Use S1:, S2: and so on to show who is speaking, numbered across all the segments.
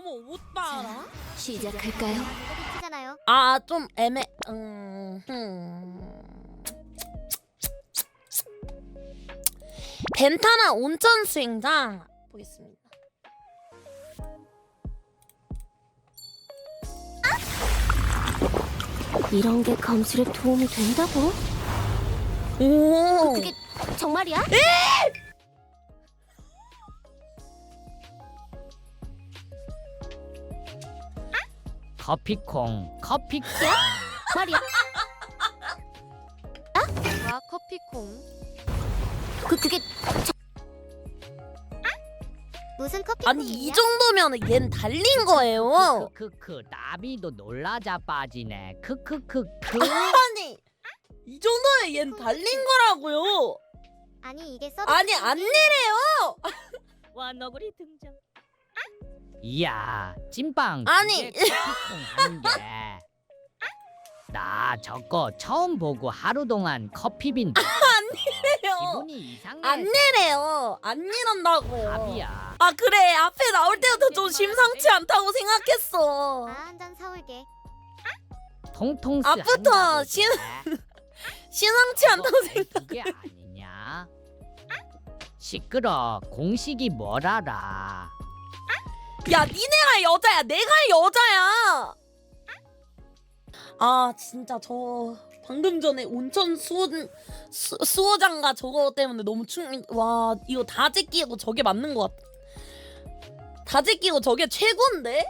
S1: 저거 옷 봐라.
S2: 시작할까요?
S3: 잖아요.
S1: 아, 좀 애매. 벤타나 온천 수영장 보겠습니다.
S2: 이런 게 검술에 도움이 된다고?
S1: 오.
S2: 그게 정말이야?
S4: 커피콩 커피콩
S2: 말이야?
S3: 와 커피콩.
S2: 그게
S3: 무슨 커피?
S1: 아니 이 정도면 얜 달린 거예요.
S4: 크크크 나비도 놀라자 빠지네 크크크크
S1: 아니 이 정도면 얜 달린 거라고요.
S3: 아니 이게 서비스.
S1: 아니 안 내래요.
S4: 와 너구리 등장 이야 찐빵
S1: 아니.
S4: 그게 커피콩 하는 게나 저거 처음 보고 하루 동안 커피빈
S1: 내래요.
S4: 기분이 이상해
S1: 안 내래요. 안 내란다고요.
S4: 답이야
S1: 아 그래 앞에 나올 때부터 좀 심상치 않다고 생각했어.
S3: 한잔 사올게.
S4: 통통스
S1: 앞부터
S4: 한다고
S1: 신-
S4: 그래.
S1: 심상치 않다고
S4: 저거
S1: 생각.
S4: 그게 아니냐 시끄러 공식이 뭘 알아
S1: 야 니네가 여자야 내가 여자야. 아 진짜 저 방금 전에 온천 수어장가 저거 때문에 너무 와 이거 다 제끼고 저게 맞는 것 같아. 다 제끼고 저게 최고인데?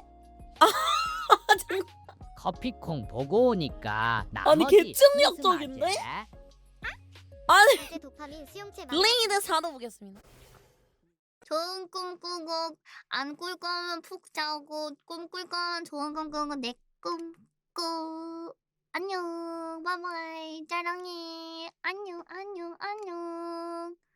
S4: 커피콩 보고 오니까
S1: 아니,
S4: 나머지
S1: 개측력적인데?
S4: 스마제.
S1: 아니
S3: 이제 도파민 수용체 막.
S1: 블레이드 사도 보겠습니다.
S5: 좋은 꿈 꾸고 안 꿀 거면 푹 자고 꿈 꿀 거면 좋은 꿈 꾸고 내 꿈 꾸. 안녕 바이바이 사랑해 안녕 안녕 안녕